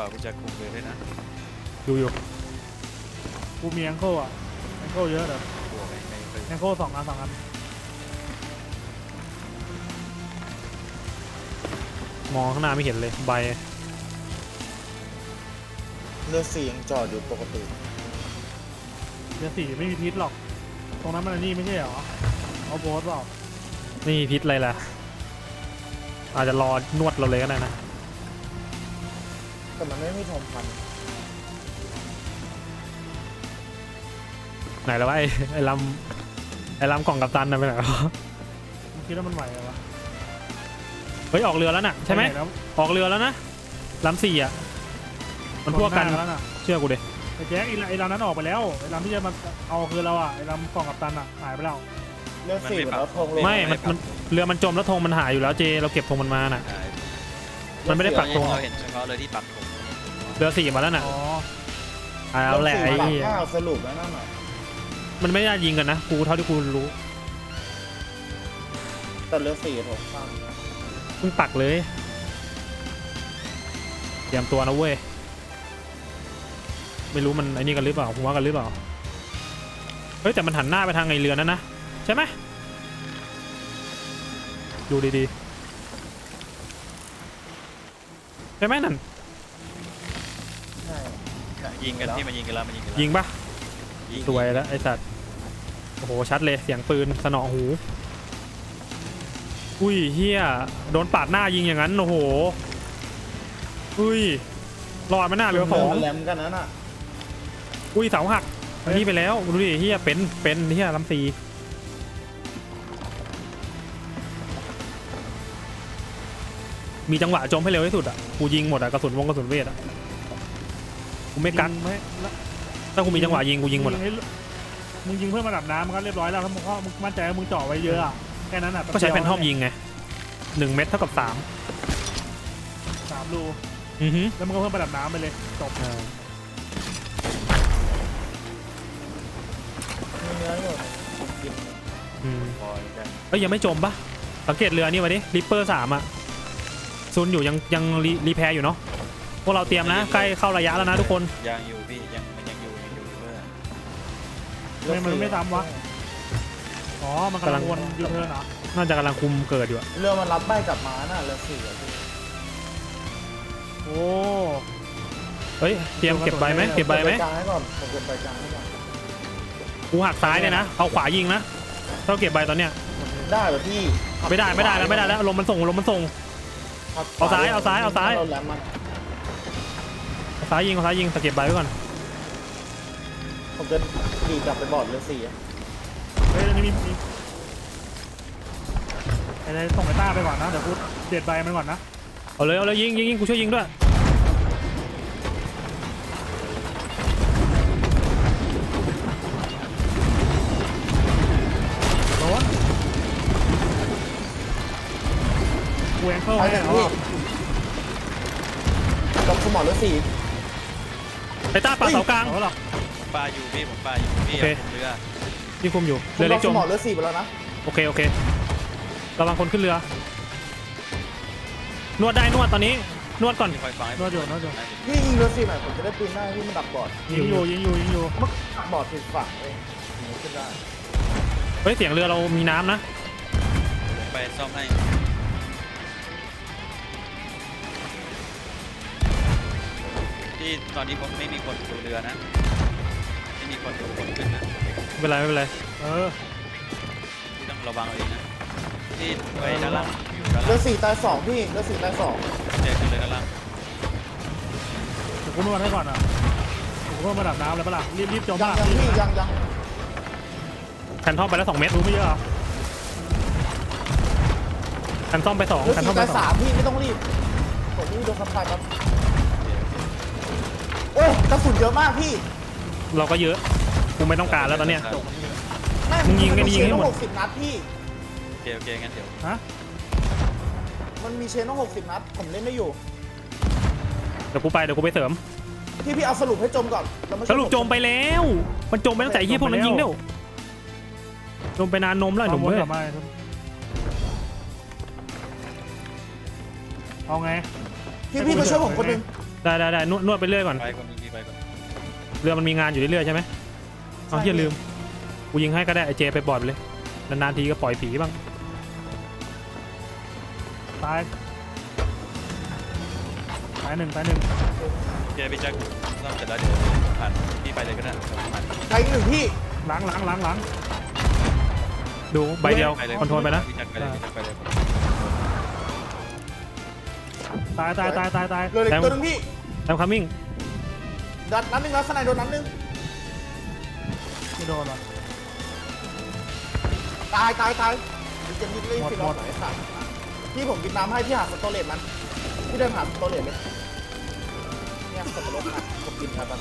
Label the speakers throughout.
Speaker 1: ว่ากูจะคุมเลยด้วยนะ
Speaker 2: อยู่
Speaker 3: กูมีแองเกิลอ่ะแองเกิลเยอะเด้อบ
Speaker 1: วกไม่เคย
Speaker 3: แองเกิล2 อัน
Speaker 2: มองข้างหน้าไม่เห็นเลยใบ
Speaker 4: เรือสี่ยังจอดอยู่ปกติ
Speaker 3: เดี๋ยว4ไม่มีพิษหรอกตรงนั้นมันอันนี่ไม่ใช่เหรอเอาโบสเปล่า
Speaker 2: นี่พิษอะไรล่ะอาจจะรอนวดเราเลยก็ได้นะ
Speaker 4: แต่มันไม่มีทองพัน
Speaker 2: ไหนแล้ววะไอ้ลำกล่องกัปตันน่ะไปไหนวะ
Speaker 3: มึงคิดว่ามันไหวเหรอวะ
Speaker 2: เฮ้ยออกเรือแล้วน่ะใช่ไหม
Speaker 3: ปนแล้ว
Speaker 2: ออกเรือแล้วนะลำ4อ่ะมันพวกกัน
Speaker 3: แล้วน่ะ
Speaker 2: เชื่อกูดิ
Speaker 3: ไอ้แจ็คไอ้ลำนั้นออกไปแล้วไอ้ลำที่จะมาเอาคือเราอ่ะไอ้ลำกล่องกับตันอ่ะหายไปแล้ว
Speaker 4: เรือสี่แล้วทองลง
Speaker 2: ไม่มันเรือมันจมแล้วธงมันหายอยู่แล้วเจเราเก็บธงมันมาน่ะ มันไม่ได้ปักธง
Speaker 1: เราเห็นเฉพาะเลยที่ปักธง
Speaker 2: เรือ4มาแล้วน่ะ
Speaker 3: อ๋อ
Speaker 2: เอาแหละไอ้
Speaker 4: เรือสี่ปากข้าวสรุปแล้วนั่นน่ะ
Speaker 2: มันไม่ได้ยิงกันนะกูเท่าที่กูรู้
Speaker 4: แต่เรือสี่ทองข้าม
Speaker 2: เพิ่งปักเลยเตรียมตัวนะเว้ยไม่รู้มันไอ้นี่กันหรือเปล่าหัวกันหรือเปล่าเฮ้ยแต่มันหันหน้าไปทางไอ้เรือนั่นนะใช่ไหมดูดีๆใช่ไหมนั่น
Speaker 4: ใช่
Speaker 1: ยิงกันที่มันยิงกันแล้วมันยิงกันแล้ว
Speaker 2: ยิงปะ
Speaker 1: ยิง
Speaker 2: สวยแล้วไอ้สัตว์โอ้โหชัดเลยเสียงปืนสนอหูอุ้ยเฮียโดนปาดหน้ายิงอย่างนั้นโอ้โหอุ้ยรอดมาหน้าเรือสอง
Speaker 4: แหลมกันนั้นน่ะ
Speaker 2: อุ้ยเสาหักอันนี้ไปแล้วดูดิเฮียเป็นเฮียลำซีมีจังหวะจมให้เร็วที่สุดอ่ะกูยิงหมดอ่ะกระสุนกระสุนเวทอ่ะกูไม่กัก
Speaker 3: ยิงไม่ละ
Speaker 2: ถ้ากูมีจังหวะยิงกูยิงหมดอะ
Speaker 3: ให้มึงยิงเพื่อมาดับน้ำมันก็เรียบร้อยแล้วถ้ามึงมั่นใจว่ามึงเจาะไว้เยอะอะแค่นั้นอ่ะ
Speaker 2: ก็ใช้แพนทอมยิงไง1 เม็ดเท่ากับ3
Speaker 3: 3 รู
Speaker 2: อือฮึ
Speaker 3: แล้วมึงก็เพิ่มมาดับน้ำไปเลยจบ
Speaker 4: มีเนื้ออยู่กิน
Speaker 2: อืม
Speaker 1: บอยกัน
Speaker 2: เอ้ยยังไม่จมปะสังเกตเรือนี่มาดิริปเปอร์3อ่ะซุนอยู่ยังรีแพร์อยู่เนาะพวกเราเตรียมนะใกล้เข้าระยะแล้วนะทุกคน
Speaker 1: ยังอยู่พี่มันยังอยู่เพื่อ
Speaker 3: ทำไมมันไม่ทำวะอ๋อมันกำลังวนยูเทิร์นเหรอ
Speaker 2: น่าจะกำลังคุมเกิดอยู่อะ
Speaker 4: เรือมันรับใบกลับมาน่ะเรือสี่อะพี่
Speaker 3: โอ้
Speaker 2: เฮ้ยเตรียมเก็บใบไหมเก็บใบไหม
Speaker 4: กลางให้ก่อนผมเก็บใบกลางให้ก่อน
Speaker 2: กูหักซ้ายเลยนะเอาขวายิงนะถ้าเก็บใบตอนเนี้ย
Speaker 4: ได้เหรอพี่
Speaker 2: ไม่ได้แล้วลมมันส่งลมมันส่ง
Speaker 4: ขับ
Speaker 2: เอาซ้าย
Speaker 4: เราแหลมมัน
Speaker 2: เอาซ้ายยิงแต่เก็บใบไว้ก่อน
Speaker 4: ผมจะดีกลับไปบอร์ดเรือสี่อะ
Speaker 3: เฮ้ยนี่มีอะไรส่งไอ้ต้าไปก่อนนะเดี๋ยวกูเด็ดใบมันก่อนนะ
Speaker 2: เอาเลยยิงกูช่วยยิงด้วย
Speaker 3: โดนกูแองเกิล
Speaker 4: ไป
Speaker 3: ให้
Speaker 4: กัน
Speaker 3: เขา
Speaker 4: พี่กับสมอเรือสี่
Speaker 2: ไอ้ต้าปาเสากลาง
Speaker 3: เขาหรอก
Speaker 1: ปลาอยู่พี่ผมปลาอยู่พี่
Speaker 2: โอเค
Speaker 1: ผมเรือ
Speaker 2: ที่คุมอยู่
Speaker 4: ผม
Speaker 2: เรือ
Speaker 4: กั
Speaker 2: เล็
Speaker 4: บ
Speaker 2: ก
Speaker 4: ส
Speaker 2: จม
Speaker 4: มอเรือสี่ไปแล้วนะ
Speaker 2: โอเคระวังคนขึ้นเรือนวดได้นวดตอนนี้นวดก่อน
Speaker 1: คอยฟังให้
Speaker 3: นวดอยู่
Speaker 4: พี่ยิงเรือสี่หน่อยผมจะได้ปืนได้พี่มันดับบอร์ด
Speaker 3: ยิงอยู่
Speaker 4: บอร์ดผิดฝั่งเองถึงขึ้นได้
Speaker 2: เฮ้ยเสียงเรือเรามีน้ำนะ
Speaker 1: ผมไปซ่อมให้ที่ตอนนี้ผมไม่มีคนดูเรือนะไม่มีคนดูคนขึ้นนะ
Speaker 2: ไม่เป็นไร
Speaker 3: เออ
Speaker 1: ที่ต้องระวังเอาเองนะที่ไปด้านล่างอยู่ด้าน
Speaker 4: เรื
Speaker 1: ล่า
Speaker 4: อง สี่ตายสองพี่เรือสี่ตายสอง
Speaker 1: เจอกันเลยด้านล่าง
Speaker 3: เดี๋ยวกูนวดให้ก่อนอ่ะกูเพิ่มมาดับน้ำแล้วปะล่ะรีบจม
Speaker 4: ยัง
Speaker 3: ปะ
Speaker 4: ยังพี่ยัง
Speaker 2: แผ่นท่อมไปแล้ว2 เม็ด
Speaker 3: รู้ไม่เยอะเหรอ
Speaker 2: แผ่นท่อมไป2
Speaker 4: เรือ
Speaker 2: แผ่นท่อ
Speaker 4: สี่
Speaker 2: มไป
Speaker 4: ตายสามพี่ไม่ต้องรีบผมไม่มีโดนสัมผัสครับโอ้ยกระสุนเยอะมากพี่
Speaker 2: 2เราก็เยอะกูไม่ต้องการแล้วตอนเนี้ย
Speaker 4: ไม่
Speaker 2: มึงยิงกันยิงให้หมด
Speaker 4: 60 นัดพี่
Speaker 1: โอเคงั้นเดี๋ยว
Speaker 3: ฮะ
Speaker 4: มันมีเชนต้อง60 นัดผมเล่นไม่อยู่
Speaker 2: เดี๋ยวกูไปเสริม
Speaker 4: พี่เอาสรุปให้จมก่อนแล้วมาช่วย
Speaker 2: สรุปจมไปแล้วมันจมไปตั้งแต่ไอ้เหี้ยพวกนั้นยิงแล้วจมไปนานนมแล้วไอ้หนุ่ม
Speaker 3: วน
Speaker 2: เว้ย
Speaker 3: กลับมาเอาไง
Speaker 4: พี่มาช่วยผมคนหนึง
Speaker 2: ได้นวดไปเรื่อยก่อน
Speaker 1: ไปก่อนมีไปก่อน
Speaker 2: เรือมันมีงานอยู่เรื่อยๆใช่ไหมเอาเฮียลืมกูยิงให้ก็ได้ไอเจไปบอดไปเลยนานๆทีก็ปล่อยผีบ้าง
Speaker 3: ตายหนึ่ง
Speaker 1: โอเคพี่แจ็คซ่อมเสร็จแล้วเดี๋ยวผ่านพี่ไปเลยก็ได้ผ่าน
Speaker 4: ใครหนึ่งพี่
Speaker 3: หลัง
Speaker 2: ดูใบเดียว
Speaker 1: ไปเลย
Speaker 2: คอนโทรลไปนะ
Speaker 1: พี่แจ็คไปเลยพี่แจ็คไปเลย
Speaker 3: ตาย
Speaker 4: เหลืออีกตัวหนึงพี่
Speaker 2: แอมคัมมิ่ง
Speaker 4: นัดหนึงแล้วสไนโดนนัดหนึง
Speaker 3: ไม่โดนหรอ
Speaker 4: ตายมันจะมีเรื่อง
Speaker 3: หมด
Speaker 4: ฟิลอสไหนสัตว์พี่ผมกินน้ำให้พี่หาสโตเลตมันพี่เดินหาสโตเลตเลยเนี่ยสโตเลตมันผมกินครับมัน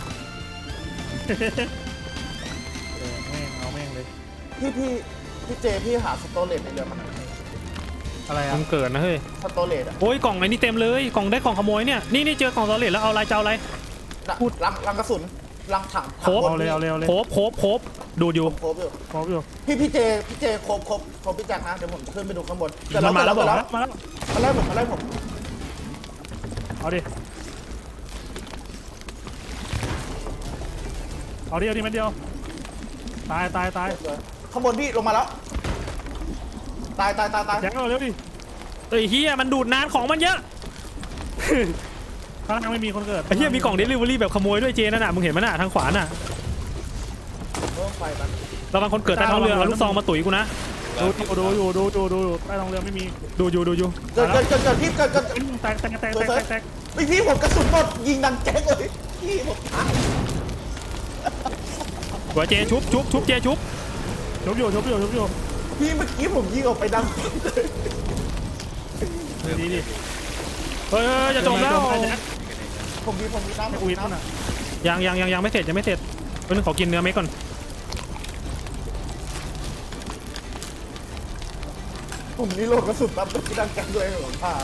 Speaker 3: เอาแม่งเลย
Speaker 4: พี่เจพี่หาสโตเลตในเรือมันหน่อย
Speaker 3: อะไรอ่ะ
Speaker 2: มึงเกิดนะเฮ้ย
Speaker 4: สโตเลตอะ
Speaker 2: โอ้ยกล่องไหนนี่เต็มเลยกล่องได้กล่องขโมยเนี่ยนี่เจอกล่องตอเลตแล้วเอาอะไรเจ้าอะไร พูด
Speaker 4: ลังกระสุนลังถัง
Speaker 2: โครบ
Speaker 3: เอาเลย
Speaker 2: โคบดูดอยู่
Speaker 4: โครบอยู่
Speaker 3: ครบอยู่
Speaker 4: พี่เจโครบพี่แจ็คนะเดี๋ยวผมขึ้นไปดูข้างบน
Speaker 2: มันมาแล้วบอก
Speaker 3: มาแล้ว
Speaker 4: มาไล่ผม
Speaker 3: เอาดิมันเดียวตาย
Speaker 4: ข้างบนพี่ลงมาแล้วตาย
Speaker 3: แจ็คเอาเร็วดิ
Speaker 2: เฮ้ยเฮียมันดูดนานของมันเยอะ
Speaker 3: ข้างล่างไม่มีคนเกิด
Speaker 2: ไอ้เฮียมีกล่องเดลิเวอรี่แบบขโมยด้วยเจนั่นน่ะมึงเห็นมั้ยน่ะทางขวาน่ะ
Speaker 4: เริ่มไฟมัน
Speaker 2: ระวังคนเกิดใต้ท้องเรือเอาลูกซองมาตุ๋ยกูนะ
Speaker 3: ดูอยู่ใต้ท้องเรือไม่มี
Speaker 2: ดูอยู่
Speaker 4: เกิดพี่เกิด
Speaker 3: แตก
Speaker 4: พี่ผมกระสุนหมดยิงดังแจ๊กเลยพี่ผมตาย
Speaker 2: หัวเจชุบเจชุบ
Speaker 3: ชุบอยู่
Speaker 4: พี่เมื่อกี้ผมยิงออกไปดังเลย
Speaker 3: ดีดิ
Speaker 2: เฮ้ยจะจบแล้ว
Speaker 4: ผมมีน้ำ
Speaker 3: กูวิทย์น่ะ
Speaker 2: ยังไม่เสร็จเพิ่งขอกินเนื้อเม็ดก่อน
Speaker 4: ผมนี่โหลดกระสุนปั๊บพี่ดังแจ๊กเลยผมพา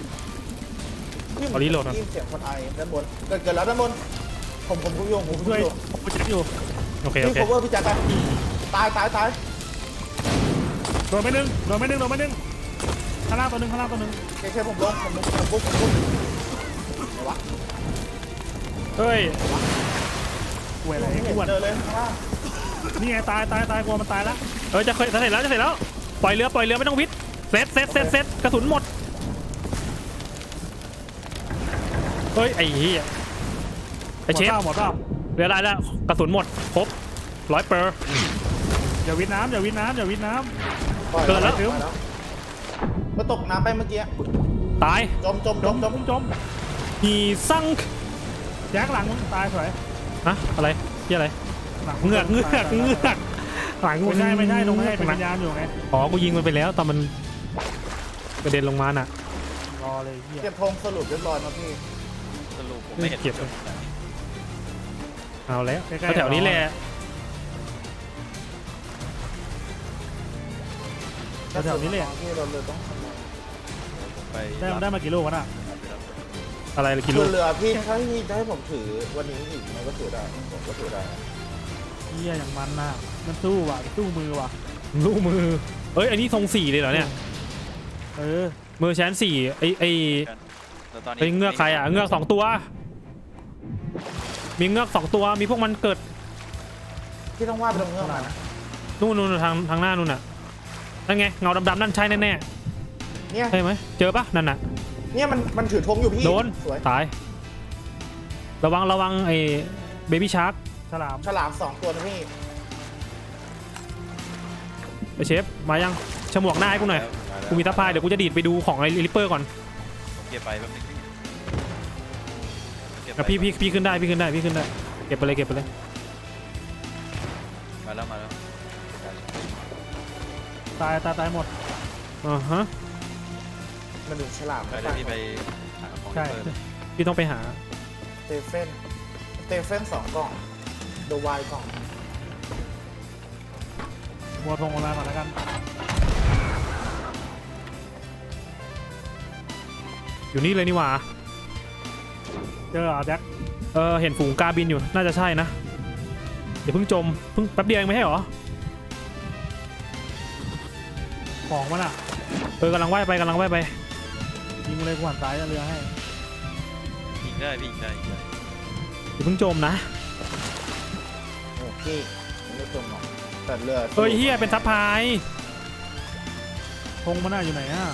Speaker 4: ยินเสียงคนไอด้านบนเกิดแล้วด้านบนผมโยงผม
Speaker 3: ช่วย
Speaker 4: โยง
Speaker 3: ผมเช็คอยู่
Speaker 2: โอเค
Speaker 4: พี่โคเวอร์พี่แจ๊คตาย
Speaker 3: โดนไม่นึงข้างล่างตัวหนึ่ง
Speaker 4: แค่ผมลงปุ๊บไหนวะ
Speaker 2: เฮ้ย
Speaker 3: ป่วยอะไร
Speaker 4: ไม่เห็น
Speaker 3: อ้วน
Speaker 4: เจอเลยข้างล่าง
Speaker 3: นี่ไงตายกลัวมันตายแล้ว
Speaker 2: จะเสร็จแล้วปล่อยเรือไม่ต้องวิทย์เสร็จกระสุนหมดเฮ้ยไอ้เหี้ยไอ้เชฟ
Speaker 3: หมดเปล่า
Speaker 2: เรือได้แล้วกระสุนหมดครบ100%
Speaker 3: อย่าวิทน้ำ
Speaker 2: เกิดแล้ว
Speaker 4: มาตกน้ำไปเมื่อกี้
Speaker 2: ตาย
Speaker 4: จม
Speaker 2: ฮีซัง
Speaker 3: แจ็คหลังมึงตายสวย
Speaker 2: ฮะอะไรที่อะไร
Speaker 3: หลัง
Speaker 2: เงือกหลังกู
Speaker 3: ไม่ใช่ตรงนี้เป็นวิญญาณอยู่ไง
Speaker 2: อ๋อกูยิงมันไปแล้วตอนมันกระเด็นลงมาน่ะ
Speaker 3: รอเลยเฮีย
Speaker 4: เก็บธงสรุปเรียบร้อยนะพี่
Speaker 1: สรุปผมไม่เห็น
Speaker 2: เก็บ
Speaker 1: จบ
Speaker 2: เอาแล้วแถวนี้แหละ
Speaker 3: แถวนี้เลย
Speaker 4: ที่เราเลยต้องทำ
Speaker 1: ไป
Speaker 3: ได้มากี่ลูกวะน่ะ
Speaker 2: อะไรกิโล
Speaker 4: เรือพี่ถ้าพี่จะให้ผมถือวันนี้อีกมันก็ถือได้ผมก็ถือได้
Speaker 3: เฮียอย่างมันน่ะมันสู้ว่ะสู้มือว่ะ
Speaker 2: ลูกมือเอ้ยอันนี้ทรง4เลยเหรอเนี่ย มือแชน4ไอ้เงือกใครอ่ะเงือก2ตัวมีเงือก2ตัวมีพวกมันเกิด
Speaker 4: พี่ต้องวาดไปตรงเงื่อนมานะ
Speaker 2: นู่นทางหน้านู่นน่ะนั่นไงเงาดำๆนั่นใช่แน่
Speaker 4: เนี่ย
Speaker 2: ใช่ไหมเจอปะนั่นน่ะ
Speaker 4: เนี่ยมันถือธงอยู่พี่
Speaker 2: โดน
Speaker 4: สวย
Speaker 2: ตายระวังไอ้เบบี้ชาร์ก
Speaker 3: ฉลาม
Speaker 4: ฉลาม2ตัวนะพี่
Speaker 2: ไอ้เชฟมายังฉมวกหน้าให้กูหน่อยกูมีทัพพายเดี๋ยวกูจะดีดไปดูของไอ้ลิปเปอร์ก่อน
Speaker 1: เก็บไปแป๊บนึง
Speaker 2: พี่ขึ้นได้เก็บไปเลย
Speaker 1: มาแล้ว
Speaker 3: ตายหมด
Speaker 2: ฮะ
Speaker 4: มันถึงฉลาม
Speaker 1: ไปได้พี่ไปหาของ
Speaker 3: ใช่
Speaker 1: เปิด
Speaker 2: พี่ต้องไปหา
Speaker 4: สเตเฟน2กล่องเดอะไวกล่อง
Speaker 3: บัวทงออนไลน์ก่อนแล้วกัน
Speaker 2: อยู่นี่เลยนี่หว่า
Speaker 3: เจอแจ็ค
Speaker 2: เห็นฝูงกาบินอยู่น่าจะใช่นะเดี๋ยวเพิ่งจมเพิ่งแป๊บเดียวเองไม่ใช่หรอ
Speaker 3: ของมันอ่ะ
Speaker 2: กำลังว่ายไป
Speaker 3: ยิงเลยกูหันซ้ายเรือให้
Speaker 1: ยิงได้พี่ใช่
Speaker 2: อย่าเพิ่งจมนะ
Speaker 4: โอเคไม่จมหรอกแต่เรือ
Speaker 2: เฮ้ยเฮียเป็นซับพลาย
Speaker 3: ธงมันน่าอยู่ไหนอ่ะ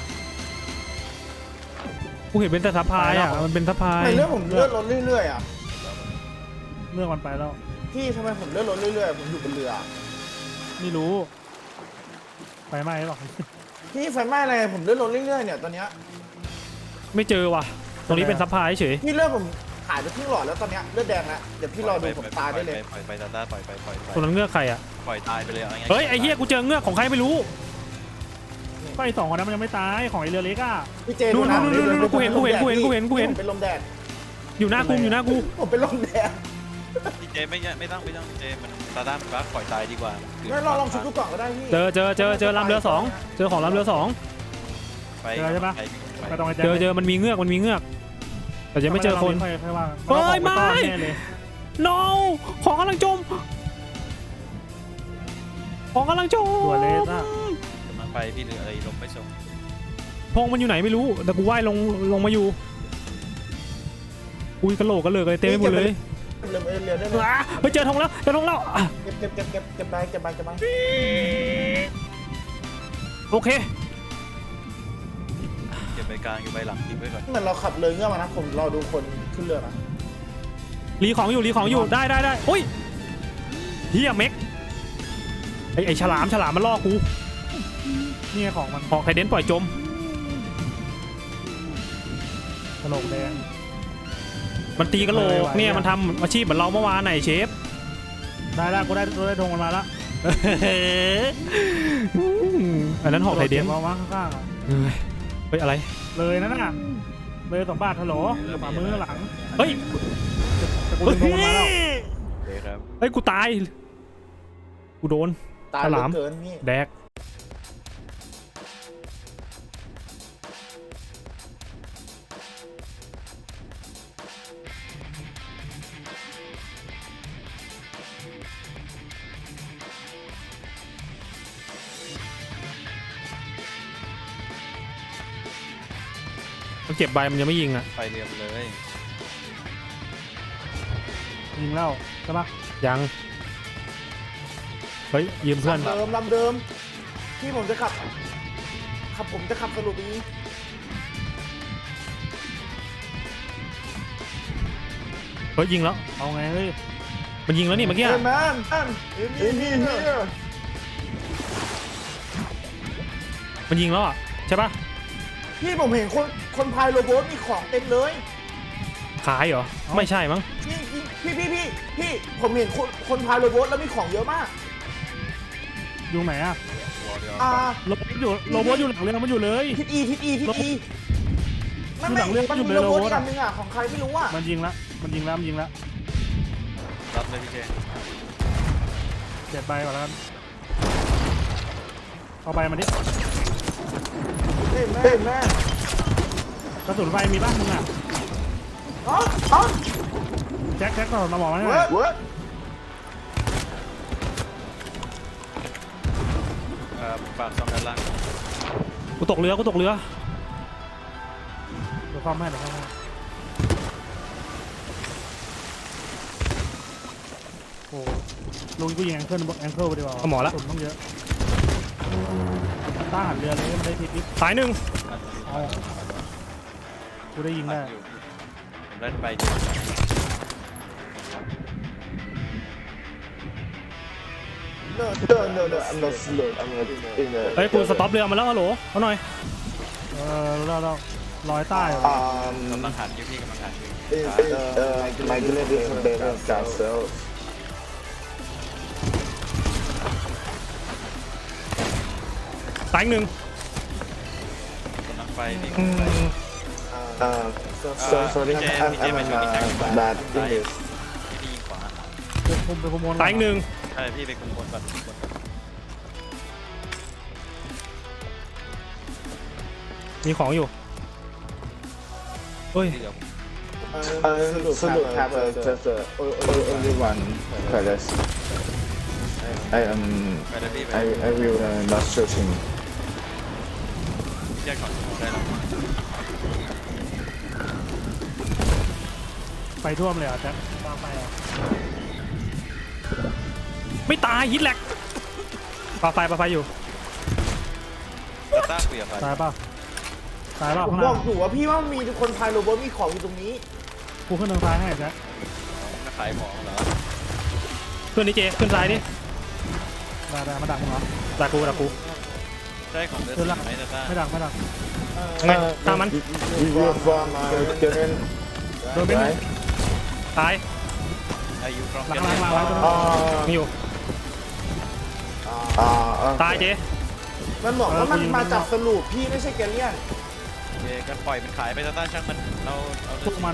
Speaker 2: กูเห็นเป็นแต่ซับพลายอ่ะมันเป็นซับพลาย
Speaker 4: ทำไมเรือผมเลื่อนรถเรื่อยๆอ่ะ
Speaker 3: เรื่องมันไปแล้ว
Speaker 4: พี่ทำไมผมเลื่อนรถเรื่อยๆผมอยู่บนเรือ
Speaker 3: ไม่รู้ไฟไหม้หรอก
Speaker 4: พี่ไฟไหม้อะไรผมเลื่อนรถเรื่อยๆเนี่ยตอนเนี้ย
Speaker 2: ไม่เจอว่ะตรงนี้เป็นซับพลายเฉย
Speaker 4: พี่เลือดผมหายไปครึ่งหลอดแล้วตอนเนี้ยเลือดแดงแล้วเดี๋ยวพี่รอดูผมตายได้เลย
Speaker 1: ปล่อยไปตาตาปล่อยไป
Speaker 2: ตรงนั้นเงือกใครอ่ะ
Speaker 1: ปล่อยตายไปเลย
Speaker 2: เฮ้ยไอ้เฮียกูเจอเงือกของใครไม่รู้
Speaker 3: ก็ไอ้สองคนนั้นมันยังไม่ตายของไอ้เรือเล็กอ่ะ
Speaker 4: พี่เจ
Speaker 2: นู่น
Speaker 4: ะ
Speaker 2: กูเห็น
Speaker 4: ผมเป็นลมแดด
Speaker 2: อยู่หน้ากูอยู่หน้ากู
Speaker 4: ผมเป็นลมแดด
Speaker 1: พี่เจไม่ต้องพี่เจมันตาด้ามันบักปล่อยตายดีกว่า
Speaker 4: งั้นลองชุดดูก่อนก็ได้พี่
Speaker 2: เจอลำเรือสองเจอของลำเรือสอง
Speaker 1: ไป
Speaker 3: ไปตรงไอ้แจ็ค
Speaker 2: เจอมันมีเงือกแต่ยังไม่เจอคน
Speaker 3: ค่อยว่า
Speaker 2: เฮ้ยไม่
Speaker 3: แน่เลย
Speaker 2: no ของกำลังจมของกำลังจม
Speaker 3: ตัวเลสอ่ะ
Speaker 1: กำลังไปพี่เรืออะไรลมไม่ส่ง
Speaker 2: พงมันอยู่ไหนไม่รู้แต่กูว่ายลงมาอยู่อุ้ยกระโหลกกระเลิกอะไรเต็มไปหมดเลย
Speaker 4: เรือได้เลย
Speaker 2: ไปเจอธงแล้วอ่ะ
Speaker 4: เก็บไป
Speaker 2: โอเค
Speaker 1: เก็บใบกลางอยู่ใบหลังทิ้งไว้ก่อน
Speaker 4: เหมือนเราขับเรือเงื่อมานะผมรอดูคนขึ้นเรือนะ
Speaker 2: รีของอยู่ได้อุ้ยเฮียเม็กไอฉลามมันล่อกู
Speaker 3: นี่ของมัน
Speaker 2: ออกไคเดนปล่อยจม
Speaker 3: กระโหลกแดง
Speaker 2: มันตีกระโหลกเนี่ยมันทำอาชีพเหมือนเราเมื่อวานไหนเชฟ
Speaker 3: ได้กูได้ธงมันมาละ
Speaker 2: อันนั้นหอกไคเดน
Speaker 3: มาวางข้างๆอ่ะ
Speaker 2: เฮ้ยอะไร
Speaker 3: เลยนั่นน่ะเลย2 บาทฮัลโหลขวามือหลัง
Speaker 2: เฮ้ย
Speaker 3: แต่กูดึงธงมันมาแล้ว
Speaker 1: โอเคครับ
Speaker 2: เฮ้ยกูตายกูโดน
Speaker 4: ตาย
Speaker 2: ฉลาม
Speaker 4: เกินนี่
Speaker 2: แดกมันเก็บใบมันยังไม่ยิงอ่ะ
Speaker 1: ไปเรือไปเลย
Speaker 3: ยิงแล้วใช่ปะ
Speaker 2: ยังเฮ้ยยืมเพื่อน
Speaker 4: ลำเดิมที่ผมจะขับสรุปนี้
Speaker 2: เฮ้ยยิงแล้ว
Speaker 3: เอาไงเฮ้ย
Speaker 2: มันยิงแล้วนี่เมื่อกี้
Speaker 4: เฮ้
Speaker 2: อะ
Speaker 4: ยแมนนี่
Speaker 2: มันยิงแล้วอ่ะใช่ปะ
Speaker 4: พี่ผมเห็นคนพายโรบอทมีของเต็มเลย
Speaker 2: ขายเหรอไม่ใช่มั้ง
Speaker 4: พี่ผมเห็นคนพายโรบอทแล้วมีของเยอะมาก
Speaker 3: อยู่ไหนอ่ะ
Speaker 1: หัวเรือ
Speaker 3: โรบอทอยู่หลังเรือมันอยู่เลย
Speaker 4: ทิศอีมันมีโรบอทอันนึงอ่ะของใครไม่รู้อ่ะ
Speaker 3: มันยิงแล้ว
Speaker 1: รับเลยพี่เจ
Speaker 3: เจ็บใบก่อนแล้วกันเอาใบมาดิ
Speaker 4: เฮ้ยแม่
Speaker 3: กระสุนไฟมีบ้างมึงอ่ะ
Speaker 4: อ๋อ
Speaker 3: แจ็คก่อนมาบอกมาให้หน่
Speaker 4: เวิ
Speaker 3: อย
Speaker 4: ร์ด
Speaker 1: ปากซ่อมด้านล่าง
Speaker 2: กูตกเรือ
Speaker 3: เดี๋ยวซ่อมให้โอ้ลุงกูยิงแองเกิลไปดีกว่า
Speaker 2: เอาหมอละ
Speaker 3: กระสุนต้องเยอะต้านหันเรือเลยมันได้ทิศนิด
Speaker 2: สายหนึ่ง
Speaker 3: เอากูได้ยิงได้
Speaker 1: ผมได้ใบ
Speaker 4: No, I'm not slow. I'm not in
Speaker 2: เฮ้ยกูสต็อปเรือมาแล้วฮัลโหลเอาหน่อย
Speaker 3: เราลอยใต้เหรอก
Speaker 1: ำลังหันอยู่พี่กำลังหันอยู่
Speaker 5: My gladiator balance castle.
Speaker 2: สายหนึ่ง
Speaker 1: กำลังไปพี่
Speaker 5: Sorry, I'm bad in this.
Speaker 1: พี่ยิงขวา
Speaker 3: ไปคุม
Speaker 2: สายหนึ่ง
Speaker 1: ใช่พี่ไปคุมบนก่อน
Speaker 2: มีของอยู่เฮ้ย
Speaker 1: ที่เหลือ
Speaker 5: Salute have just only one palace. I
Speaker 1: ไปเลยพี่ไป
Speaker 5: I will not searching.
Speaker 1: แยกก่อนได้แล้ว
Speaker 3: ไฟท่วมเลยเหรอแจ็คตามไปเหรอ
Speaker 2: ไม่ตายฮิตแลกปาไฟอยู่
Speaker 1: ตาต้าคุยกับใคร
Speaker 3: ตายป่ะตายป่ะ
Speaker 4: ผม
Speaker 3: ข้างห
Speaker 4: บ
Speaker 3: น้า
Speaker 4: อกอยู่ว่าพี่ว่ามีคนพายโรบอทมีของอยู่ตรงนี้
Speaker 3: กูขึ้นทางซ้ายให้แจ็ค
Speaker 1: มาขายของเหรอ
Speaker 2: ขึ้นนี่เจขึ้นซ้ายดิ
Speaker 3: ได้มาดักมึงเหรอ
Speaker 2: ดักกู
Speaker 1: ใช่ของเดือด
Speaker 3: เดินหลัง
Speaker 1: ไหมตาต้า
Speaker 3: ไม่ดัก
Speaker 2: ไม่ตามมัน
Speaker 5: You from German
Speaker 3: โดนเป็นหนึ่ง
Speaker 2: ตาย
Speaker 1: อายุครอง
Speaker 3: หลัง
Speaker 1: เดือน
Speaker 3: ไว้ตัวนึง
Speaker 2: มีอยู่ ตายเจ
Speaker 4: มันบอกว่ามันมาจากสรุปพี่ไม่ใช่แกเลียน
Speaker 1: เย่กันปล่อยมันขายไปตาต้าช่างมันเราเอา
Speaker 3: พวกมัน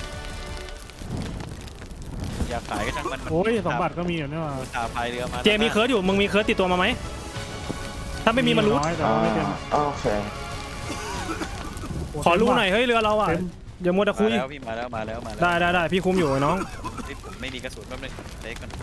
Speaker 1: อยากขายก็ช่างมัน
Speaker 3: โอ้ยสมบัติก็มีอยู่นี่หว่า
Speaker 1: ตาพายเรือมา
Speaker 2: เจมีเคิร์ดอยู่มึงมีเคิร์ดติดตัวมาไหมถ้าไม่มีมันรู้
Speaker 3: น้อยแต่ว่าไม่เต็ม
Speaker 5: Okay
Speaker 2: ขอรู้หน่อยเฮ้ยเรือเราอ่ะ
Speaker 3: เต็ม
Speaker 2: อย่ามัวแต่คุย
Speaker 1: แล้วพี่มาแล้วมาแล้ว
Speaker 2: ได้พี่คุมอยู่ไอ้น้อง
Speaker 1: นี่ผมไม่มีกระสุนแป๊บนึงเล็กก่อน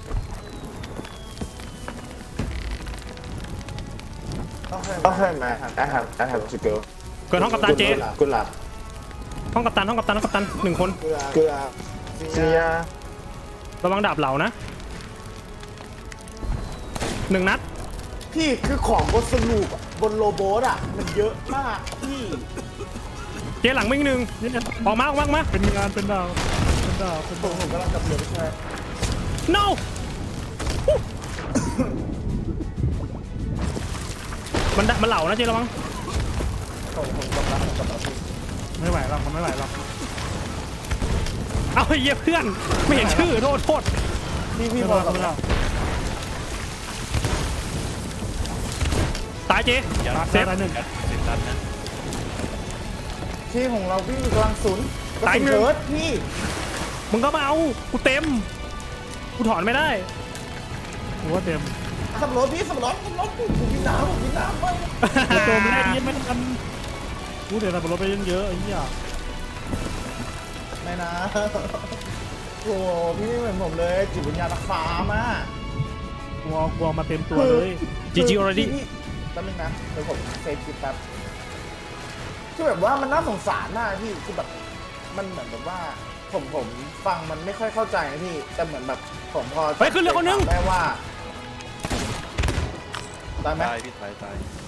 Speaker 5: Okay man I have to go
Speaker 2: เกิดห้องกัปตันเจ
Speaker 5: Good luck
Speaker 2: ห้องกัปตันหนึ่งคน
Speaker 5: Good luck See ya
Speaker 2: ระวังดาบเหล่านะหนึ่งนัด
Speaker 4: พี่คือของบนสรุปอะบนโรบอทอ่ะมันเยอะมากพี่
Speaker 2: เจหลังไม่หนึ่ง
Speaker 3: นี่เนี่ย
Speaker 2: ออกมา
Speaker 3: เป็นงานเป็นดาวเป็นดาวเป็น
Speaker 4: ผ
Speaker 3: ดาว
Speaker 4: มกำลังกับเรือไปช่วย
Speaker 2: no มันเหล่านะเจระวัง
Speaker 4: ผมกำลังกับเราพี่
Speaker 3: ไม่ไหวหรอกมันไม่ไหวหรอก
Speaker 2: เอาไอ้เหี้ยเพื่อนไม่เห็นชื่อโทษ
Speaker 4: พี่พอกับเรา
Speaker 2: ตายเจ
Speaker 1: อย่า
Speaker 2: เซฟ
Speaker 3: ตายหนึ่ง
Speaker 1: สิบตันนะ
Speaker 4: ที่ของเราพี่กำลังศูนย์กระ
Speaker 2: ตาย
Speaker 4: สุน
Speaker 2: หนึ่ง
Speaker 4: เบิร์ดพี่
Speaker 2: มึงก็มาเอากูเต็มกูถอนไม่ได้
Speaker 3: กูว่าเต็ม
Speaker 4: สำรวจพี่สำรวจผมกินน้ำไป
Speaker 3: โจมไม่ได้ยินไม่ทันกูเดี๋ยวเราไปรถไปเยอะๆไอ้เหี้ย
Speaker 4: ไม่นะโอ้พี่ไม่เหมือนผมเลยจิตวิญญาณนักฟ้ามา
Speaker 3: กูเอามาเต็มตัวเลย
Speaker 2: GG already
Speaker 4: แป๊บนึงนะเดี๋ยวผมเซฟคลิปแป๊บคือแบบว่ามันน่าสงสารมากพี่คือแบบมันเหมือนแบบว่าผมฟังมันไม่ค่อยเข้าใจนะพี่แต่เหมือนแบบผมพอ
Speaker 2: เฮ้ยขึ้นเรือคนนึง
Speaker 4: ได้ว่าตายไหม
Speaker 1: ตายพี่ตาย